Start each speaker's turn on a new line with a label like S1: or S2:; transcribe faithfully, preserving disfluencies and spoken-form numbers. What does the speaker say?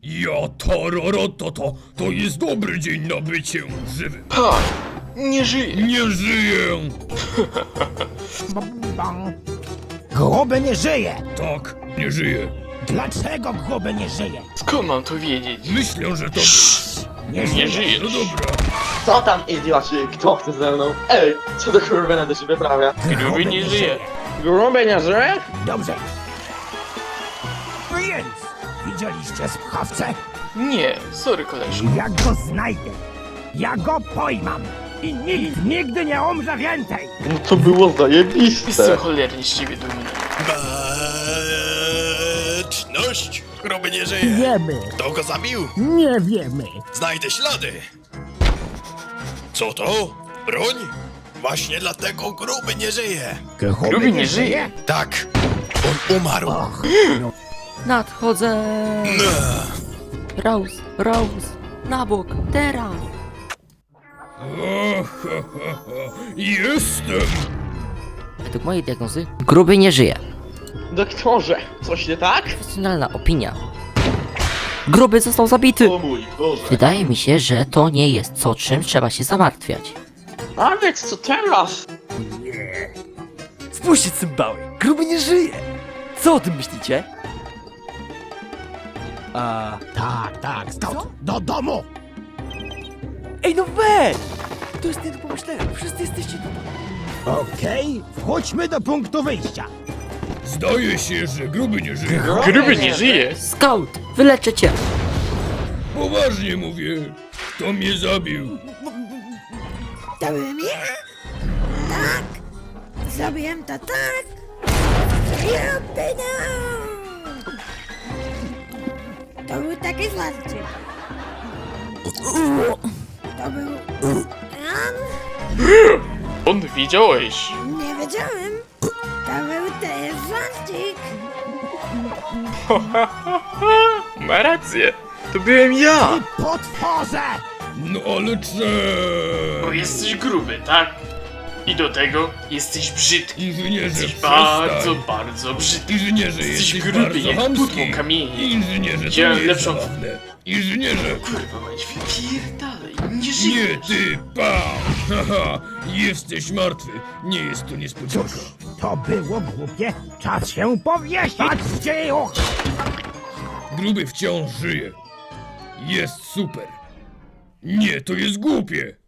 S1: Ja tararotata, to jest dobry dzień na bycie żywym.
S2: Ha! Nie żyje!
S1: Nie żyję!
S3: Gruby nie żyje!
S1: Tak, nie żyję.
S3: Dlaczego gruby nie żyje?
S2: Skąd mam to wiedzieć?
S1: Myślę, że to...
S3: Nie
S2: Nie
S3: żyje!
S2: żyjesz!
S1: No dobra.
S4: Co tam, idioci? Kto chce ze mną? Ej, co do kurwy nade się wyprawia?
S2: Gruby nie żyje!
S4: Gruby nie żyje?
S3: Dobrze. Więc widzieliście sprawcę?
S2: Nie, sorry koleżko.
S3: Ja go znajdę. Ja go pojmam. I nikt nigdy nie umrze więcej.
S4: No to było zajebiste.
S2: Jestem cholernie z ciebie dumny.
S5: Baczność! Gruby nie żyje.
S3: Wiemy.
S5: Kto go zabił?
S3: Nie wiemy.
S5: Znajdę ślady. Co to? Broń? Właśnie dlatego gruby nie żyje.
S2: Gruby nie żyje?
S5: Tak, on umarł.
S6: Nadchodzę! Raus, raus, na bok, teraz!
S1: Ha, ha, ha, ha. Jestem!
S6: Według mojej diagnozy, gruby nie żyje.
S4: Doktorze, coś nie tak?
S6: Profesjonalna opinia. Gruby został zabity!
S4: O mój Boże.
S6: Wydaje mi się, że to nie jest co, czym trzeba się zamartwiać.
S4: A więc co teraz?
S7: Spójrzcie, cymbały! Gruby nie żyje! Co o tym myślicie? A...
S3: Tak, tak, stąd. Do domu.
S7: Ej, no weź! To jest nie do pomyślenia, wszyscy jesteście tu.
S3: Okej, wchodźmy do punktu wyjścia.
S1: Zdaje się, że gruby nie żyje.
S2: Gruby nie żyje?
S6: Scout, wyleczę cię!
S1: Poważnie mówię. Kto mnie zabił?
S8: To byłem ja? Tak! Zrobiłem to tak! Juppina! To był taki żarcik. To był... Jan?
S2: On widziałeś.
S8: Nie wiedziałem. To był też żarcik.
S2: Ma rację. To byłem ja.
S3: Potworze!
S1: No ale cze...
S2: Bo jesteś gruby, tak? I do tego jesteś brzydki.
S1: Inżynierze,
S2: Jesteś
S1: przestań.
S2: bardzo, bardzo brzydki.
S1: Inżynierze,
S2: Jesteś
S1: jesteś
S2: gruby
S1: bardzo
S2: jak
S1: chamski.
S2: pudło kamieni.
S1: Inżynierze, to
S2: Widziałem
S1: nie jest
S2: lepszą-
S1: zabawne. Inżynierze!
S2: Kurwa, mać pierdalej. Nie
S1: Nie
S2: żyjesz.
S1: ty, pa! Haha, jesteś martwy. Nie jest to niespodzianka.
S3: Cóż, to było głupie. Czas się powiesić. Patrzcie już!
S1: Gruby wciąż żyje. Jest super. Nie, to jest głupie.